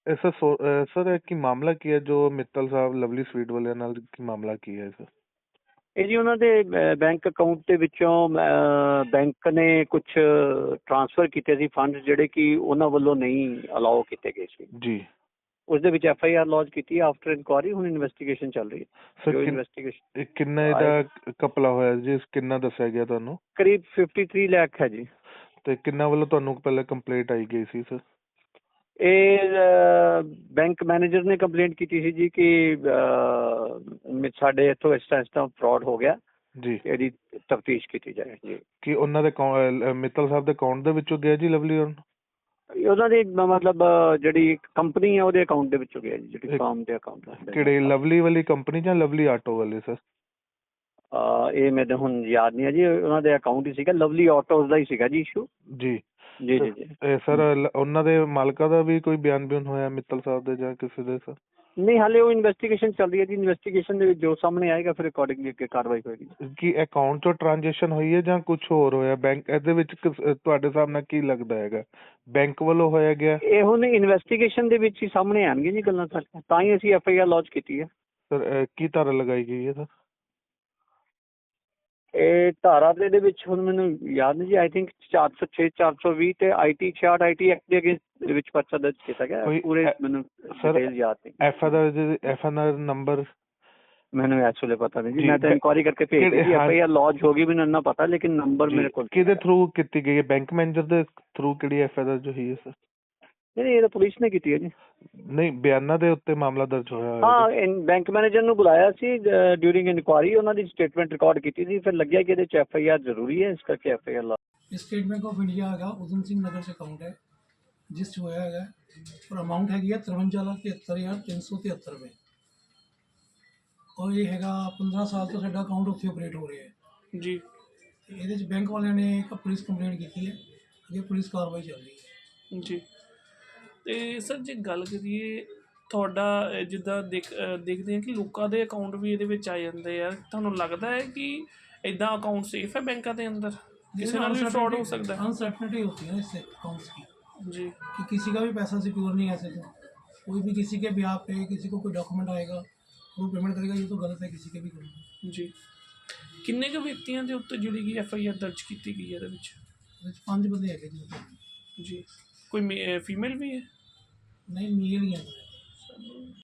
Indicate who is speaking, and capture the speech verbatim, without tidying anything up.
Speaker 1: ਇਹ sir so ਅਹ sir ਇਹ ਕੀ ਮਾਮਲਾ ਕੀ ਹੈ ਜੋ ਮਿੱਤਲ ਸਾਹਿਬ ਲਵਲੀ ਸਵੀਟ ਵਾਲਿਆਂ ਨਾਲ ਕੀ ਮਾਮਲਾ ਕੀ ਹੈ ਸਰ?
Speaker 2: ਇਹ ਜੀ ਉਹਨਾਂ ਦੇ ਬੈਂਕ ਅਕਾਊਂਟ ਦੇ ਵਿੱਚੋਂ ਬੈਂਕ ਨੇ ਕੁਝ ਟ੍ਰਾਂਸਫਰ ਕੀਤੇ ਸੀ ਫੰਡ ਜਿਹੜੇ ਕਿ ਉਹਨਾਂ ਵੱਲੋਂ ਨਹੀਂ ਅਲਾਓ ਕੀਤੇ ਗਏ ਸੀ
Speaker 1: ਜੀ।
Speaker 2: ਉਸ ਦੇ ਵਿੱਚ ਐਫ ਆਈ ਆਰ ਲੌਂਚ ਕੀਤੀ ਆਫਟਰ ਇਨਕੁਆਰੀ। ਹੁਣ ਇਨਵੈਸਟੀਗੇਸ਼ਨ ਚੱਲ ਰਹੀ ਹੈ। ਜੋ ਇਨਵੈਸਟੀਗੇਸ਼ਨ
Speaker 1: ਕਿੰਨਾ ਇਹਦਾ ਕਪਲਾ ਹੋਇਆ ਜੀ, ਕਿੰਨਾ ਦੱਸਿਆ ਗਿਆ ਤੁਹਾਨੂੰ?
Speaker 2: ਕਰੀਬ ਫਿਫਟੀ ਥ੍ਰੀ ਲੱਖ ਹੈ ਜੀ। ਤੇ
Speaker 1: ਕਿੰਨਾ ਵੱਲੋਂ ਤੁਹਾਨੂੰ ਪਹਿਲਾਂ ਕੰਪਲੇਂਟ ਆਈ ਗਈ ਸੀ ਸਰ?
Speaker 2: ਇਹ ਬੈਂਕ ਮੈਨੇਜਰ ਨੇ ਕੰਪਲੇਂਟ ਕੀਤੀ ਸੀ ਜੀ ਕਿ ਸਾਡੇ ਇੱਥੋਂ ਇਸ ਤਰ੍ਹਾਂ ਇਸ ਤਰ੍ਹਾਂ ਫਰਾਡ ਹੋ ਗਿਆ
Speaker 1: ਜੀ,
Speaker 2: ਇਹਦੀ ਤਫਤੀਸ਼ ਕੀਤੀ ਜਾਏ ਜੀ।
Speaker 1: ਕਿ ਉਹਨਾਂ ਦੇ ਮਿੱਤਲ ਸਾਹਿਬ ਦੇ ਅਕਾਊਂਟ ਦੇ ਵਿੱਚੋਂ ਗਿਆ ਜੀ ਲਵਲੀ?
Speaker 2: ਉਹਨਾਂ ਦੀ ਮਤਲਬ ਜਿਹੜੀ ਕੰਪਨੀ ਹੈ ਉਹਦੇ ਅਕਾਊਂਟ ਦੇ ਵਿੱਚੋਂ ਗਿਆ ਜੀ, ਜਿਹੜੀ ਫਾਰਮ ਦੇ ਅਕਾਊਂਟ।
Speaker 1: ਕਿਹੜੀ ਲਵਲੀ ਵਾਲੀ ਕੰਪਨੀ ਜਾਂ ਲਵਲੀ ਆਟੋ ਵਾਲੀ ਸਰ?
Speaker 2: ਇਹ ਮੈਨੂੰ ਹੁਣ ਯਾਦ ਨਹੀਂ ਹੈ ਜੀ। ਉਹਨਾਂ ਦੇ ਅਕਾਊਂਟ ਹੀ ਸੀਗਾ, ਲਵਲੀ ਆਟੋਜ਼ ਦਾ ਹੀ ਸੀਗਾ ਜੀ ਇਸ਼ੂ।
Speaker 1: ਜੀ
Speaker 2: ਜੀ ਜੀ ਜੀ
Speaker 1: ਸਰ ਉਹਨਾਂ ਦੇ ਮਾਲਕਾਂ ਦਾ ਵੀ ਕੋਈ ਬਿਆਨ ਬਿਆਨ ਹੋਇਆ ਮਿੱਤਲ ਸਾਹਿਬ ਦੇ ਜਾਂ ਕਿਸੇ ਦੇ ਸਰ?
Speaker 2: ਨਹੀਂ, ਹਾਲੇ ਉਹ ਇਨਵੈਸਟੀਗੇਸ਼ਨ ਚੱਲ ਰਹੀ ਹੈ ਜੀ। ਇਨਵੈਸਟੀਗੇਸ਼ਨ ਦੇ ਵਿੱਚ ਜੋ ਸਾਹਮਣੇ ਆਏਗਾ ਫਿਰ ਅਕੋਰਡਿੰਗਲੀ ਅੱਗੇ ਕਾਰਵਾਈ ਹੋਏਗੀ।
Speaker 1: ਕੀ ਅਕਾਊਂਟ ਚੋਂ ਟ੍ਰਾਂਜੈਕਸ਼ਨ ਹੋਈ ਹੈ ਜਾਂ ਕੁਝ ਹੋਰ ਹੋਇਆ ਬੈਂਕ ਇਹਦੇ ਵਿੱਚ? ਤੁਹਾਡੇ ਹਿਸਾਬ ਨਾਲ ਕੀ ਲੱਗਦਾ ਹੈਗਾ, ਬੈਂਕ ਵੱਲੋਂ ਹੋਇਆ ਗਿਆ?
Speaker 2: ਇਹ ਹੁਣ ਇਨਵੈਸਟੀਗੇਸ਼ਨ ਦੇ ਵਿੱਚ ਹੀ ਸਾਹਮਣੇ ਆਉਣਗੇ ਜੀ ਗੱਲਾਂ ਸਾਰੀਆਂ, ਤਾਂ ਹੀ ਅਸੀਂ ਐਫ ਆਈ ਆਰ ਲੌਂਚ ਕੀਤੀ ਹੈ।
Speaker 1: ਸਰ ਕੀ ਧਾਰਾ ਲਗਾਈ ਗਈ ਹੈ ਸਰ?
Speaker 2: ਇਹ ਧਾਰਾ ਦੇ ਵਿੱਚ ਹੁਣ ਮੈਨੂੰ ਯਾਦ ਨਹੀਂ ਜੀ। ਆਈ ਥਿੰਕ ਚਾਰ ਸੌ ਛੇ ਚਾਰ ਸੌ ਵੀਹ ਤੇ ਆਈ ਟੀ ਛਿਆਹਠ ਆਈ ਟੀ ਐਕਟ ਦੇ ਅਗੇਂਸਟ ਵਿੱਚ ਪਰਚਾ ਦਰਜ ਕੀਤਾ ਗਿਆ। ਪੂਰੇ ਮੈਨੂੰ ਡਿਟੇਲ ਯਾਦ ਨਹੀਂ।
Speaker 1: ਐਫ ਆਈ ਆਰ ਨੰਬਰ
Speaker 2: ਮੈਨੂੰ ਇਸ ਵੇਲੇ ਪਤਾ ਨਹੀਂ ਜੀ। ਮੈਂ ਤਾਂ ਇਨਕੁਆਰੀ ਕਰਕੇ ਭੇਜ ਦਿੱਤੀ। ਐਫ ਆਈ ਆਰ ਲੌਂਚ ਹੋ ਗਈ, ਮੈਨੂੰ ਇੰਨਾ ਪਤਾ, ਲੇਕਿਨ ਨੰਬਰ ਮੇਰੇ ਕੋਲ
Speaker 1: ਕਿਹਦੇ ਥਰੂ ਕੀਤੀ ਗਈ ਹੈ? ਬੈਂਕ ਮੈਨੇਜਰ ਦੇ ਥਰੂ ਕਿਹੜੀ ਐਫ ਆਈ ਆਰ ਜੋ ਹੋਈ ਹੈ ਸਰ?
Speaker 2: ਨਹੀਂ, ਇਹ ਤਾਂ ਪੁਲਿਸ ਨੇ ਕੀਤੀ ਹੈ ਜੀ।
Speaker 1: ਨਹੀਂ, ਬਿਆਨਾਂ ਦੇ ਉੱਤੇ ਮਾਮਲਾ ਦਰਜ ਹੋਇਆ?
Speaker 2: ਹਾਂ, ਬੈਂਕ ਮੈਨੇਜਰ ਨੂੰ ਬੁਲਾਇਆ ਸੀ ਡਿਊਰਿੰਗ ਇਨਕੁਆਰੀ, ਉਹਨਾਂ ਦੀ ਸਟੇਟਮੈਂਟ ਰਿਕਾਰਡ ਕੀਤੀ ਸੀ। ਫਿਰ ਲੱਗਿਆ ਕਿ ਇਹਦੇ ਚ ਐਫ ਆਈ ਆਰ ਜ਼ਰੂਰੀ ਹੈ, ਇਸ ਕਰਕੇ ਐਫ ਆਈ ਆਰ ਲਾ।
Speaker 3: ਸਟੇਟ ਬੈਂਕ ਆਫ ਇੰਡੀਆ ਹੈਗਾ ਉਦਮ ਸਿੰਘ ਨਗਰ 'ਚ ਅਕਾਊਂਟ ਹੈ ਜਿਸ 'ਚ ਹੋਇਆ ਹੈਗਾ, ਔਰ ਅਮਾਊਂਟ ਹੈਗੀ ਹੈ ਤਰਵੰਜਾ ਲੱਖ ਤਿਹੱਤਰ ਹਜ਼ਾਰ ਤਿੰਨ ਸੌ ਤਿਹੱਤਰ ਰੁਪਏ। ਔਰ ਇਹ ਹੈਗਾ ਪੰਦਰਾਂ ਸਾਲ ਤੋਂ ਸਾਡਾ ਅਕਾਊਂਟ ਉੱਥੇ ਆਪਰੇਟ ਹੋ ਰਿਹਾ ਹੈ ਜੀ। ਇਹਦੇ 'ਚ ਬੈਂਕ ਵਾਲਿਆਂ ਨੇ ਇੱਕ ਪੁਲਿਸ ਕੰਪਲੇਂਟ ਕੀਤੀ ਹੈ, ਅੱਗੇ ਪੁਲਿਸ ਕਾਰਵਾਈ ਚੱਲ ਰਹੀ ਹੈ
Speaker 4: ਜੀ। ਅਤੇ ਸਰ ਜੇ ਗੱਲ ਕਰੀਏ ਤੁਹਾਡਾ, ਜਿੱਦਾਂ ਦੇਖ ਦੇਖਦੇ ਹਾਂ ਕਿ ਲੋਕਾਂ ਦੇ ਅਕਾਊਂਟ ਵੀ ਇਹਦੇ ਵਿੱਚ ਆ ਜਾਂਦੇ ਆ, ਤੁਹਾਨੂੰ ਲੱਗਦਾ ਹੈ ਕਿ ਇੱਦਾਂ ਅਕਾਊਂਟ ਸੇਫ ਹੈ बैंकों के अंदर? किसी ਨਾਲ भी फ्रॉड हो सकता है?
Speaker 3: अनसर्टनिटी होती है ना इससे अकाउंट्स की
Speaker 4: जी,
Speaker 3: कि किसी का भी पैसा सिक्योर नहीं है ऐसे। तो कोई भी किसी के ब्याह पे किसी को कोई डॉक्यूमेंट आएगा वो पेमेंट करेगा, ये तो गलत है किसी के भी करना
Speaker 4: जी। किन्ने के व्यक्तियों के उत्ते जिहड़ी कि एफ आई आर दर्ज की गई है?
Speaker 3: पाँच बंदे है जी।
Speaker 4: जी, कोई फीमेल भी है?
Speaker 3: नहीं, मेल ही है।